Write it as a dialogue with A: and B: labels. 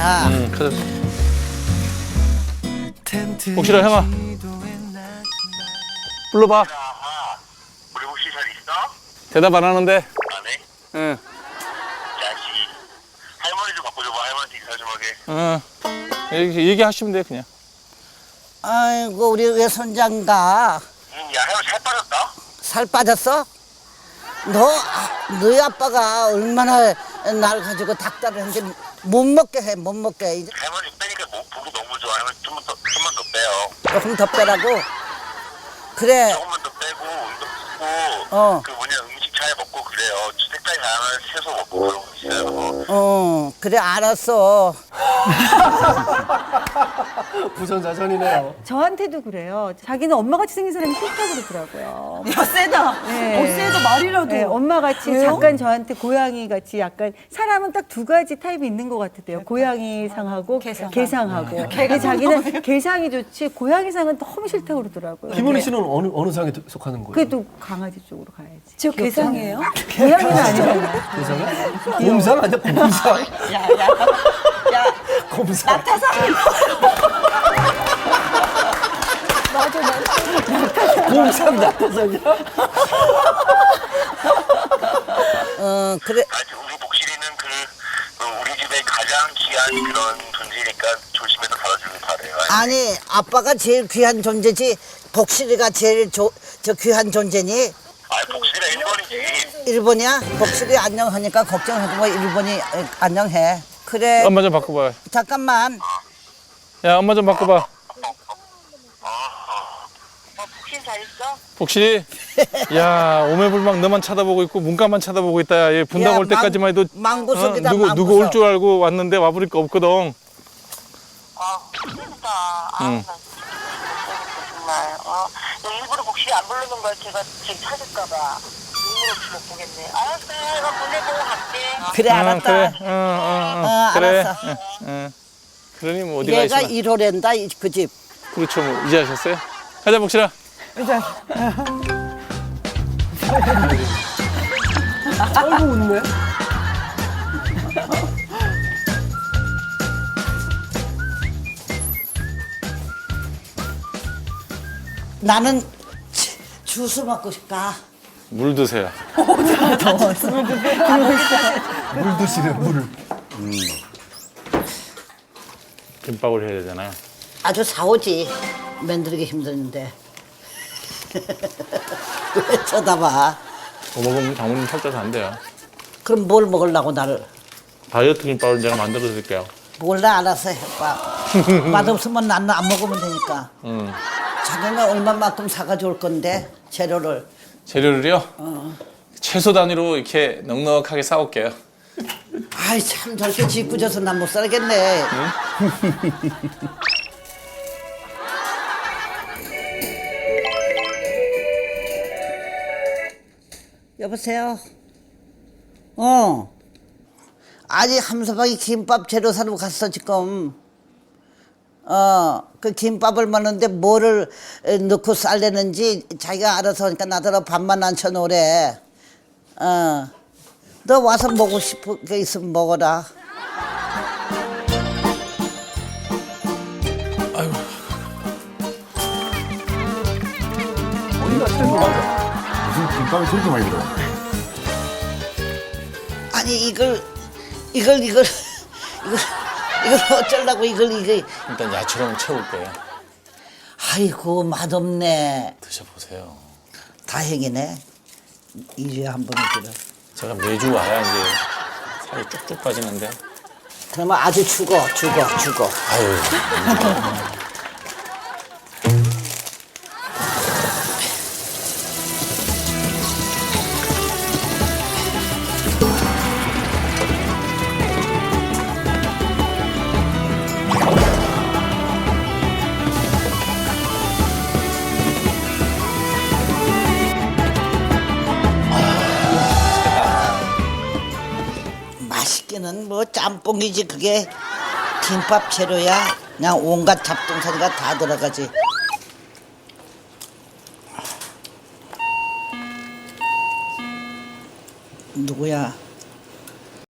A: 가자.
B: 가자. 복실아, 형아. 불러봐.
C: 우리 혹시 잘 있어?
B: 대답 안 하는데.
C: 안 해?
B: 응.
C: 자식. 할머니 좀 바꿔줘봐. 할머니한테 인사 좀 하게.
B: 얘기하시면 돼, 그냥.
A: 아이고 우리 외손장가
C: 야, 할머니 살 빠졌다?
A: 살 빠졌어? 너희 아빠가 얼마나 날 가지고 닭다리를 했는지 못 먹게 해, 못 먹게 해. 이제
C: 할머니 빼니까 보기 너무 좋아. 할머니 좀만 더 빼요.
A: 조금 더 빼라고. 그래.
C: 조금만 더 빼고, 운동
A: 어.
C: 쓰고, 그 뭐냐, 음식 잘 먹고 그래요. 색깔이 다양한 채소 먹고 그런 거 있어요.
A: 그래 알았어.
D: 부전자전이네요.
E: 저한테도 그래요. 자기는 엄마같이 생긴 사람이 싫다고 그러더라고요.
F: 야, 세다.
E: 네.
F: 세다, 말이라도.
E: 네, 엄마같이
F: 왜요?
E: 잠깐 저한테 고양이같이 약간 사람은 딱 두 가지 타입이 있는 것 같대요. 고양이상하고 개상하고. 근데 자기는 개상이 좋지 고양이상은 너무 싫다고 그러더라고요.
D: 김은희 씨는 어느 상에 속하는 거예요?
E: 그래도 강아지 쪽으로 가야지.
F: 저 괴상이에요?
E: 고양이는 아니잖아요.
D: 개상에? 곰상 아니야? 곰상?
F: 야.
D: 곰상. 곰상 낙타상이야?
A: 그래.
C: 우리 복실이는 우리 집의 가장 귀한 그런 존재니까 조심해서 다뤄주길 바래요.
A: 아니 아빠가 제일 귀한 존재지 복실이가 제일 저 귀한 존재니?
C: 복실이가 1번이지.
A: 일본이야? 복실이 안녕하니까 걱정하고 뭐 일본이 안녕해. 그래.
B: 엄마 좀 바꿔봐.
A: 잠깐만.
B: 야, 엄마 좀 바꿔봐.
C: 복실 잘 있어?
B: 복실이? 야, 오매불망 너만 쳐다보고 있고 문간만 쳐다보고 있다. 얘 분당
A: 야,
B: 올 때까지만 해도
A: 망구석이다,
B: 누구
A: 망구석.
B: 올 줄 알고 왔는데 와보니까 없거든.
C: 힘들다.
B: 응.
C: 나 정말. 일부러 복실이 안 부르는 거야. 걔가 찾을까봐. 일부러 못 보겠네. 알았어. 내가 보내보고 갈게.
A: 그래 알았다.
B: 그래. 그래.
A: 알았어.
B: 그러니 뭐 어디가
A: 얘가
B: 있어.
A: 1호랜다 그 집.
B: 그렇죠. 뭐 이제 하셨어요? 가자, 복실아.
D: 아이고 웃네.
A: 나는 주스 먹고 싶다.
B: 물 드세요.
D: 물 드시네, 물을.
B: 김밥을 해야 되잖아요.
A: 아주 사오지. 만들기 힘드는데. 왜 쳐다봐.
B: 뭐 먹으면 장모님 살쪄서 안 돼요.
A: 그럼 뭘 먹으려고 나를.
B: 다이어트 김밥을 제가 만들어 드릴게요.
A: 몰라 알아서 해봐. 맛없으면 나는 안 먹으면 되니까. 자기는 얼마만큼 사가지고 올 건데 재료를.
B: 재료를요? 채소 단위로 이렇게 넉넉하게 싸올게요.
A: 아이 참 저렇게 짓궂어서 난 못 살겠네. 여보세요? 아니 함서방이 김밥 재료 사러 갔어 지금. 그 김밥을 먹는데 뭐를 넣고 쌀려는지 자기가 알아서 하니까 나더러 밥만 안 쳐놓으래. 너 와서 먹고 싶은 게 있으면 먹어라.
D: 어디가 최고 맞아?
G: 무슨 김밥이 저렇게 많이 들어?
A: 아니 이걸 어쩌려고 이걸.
B: 일단 야채로 채울 거예요.
A: 아이고 맛없네.
B: 드셔보세요.
A: 다행이네. 2주에 한 번은 그래.
B: 제가 매주 와야 이제 살이 쭉쭉 빠지는데.
A: 그러면 아주 죽어.
B: 아유.
A: 맛있기는 뭐 짬뽕이지 그게. 김밥 재료야. 그냥 온갖 잡동사리가 다 들어가지. 누구야?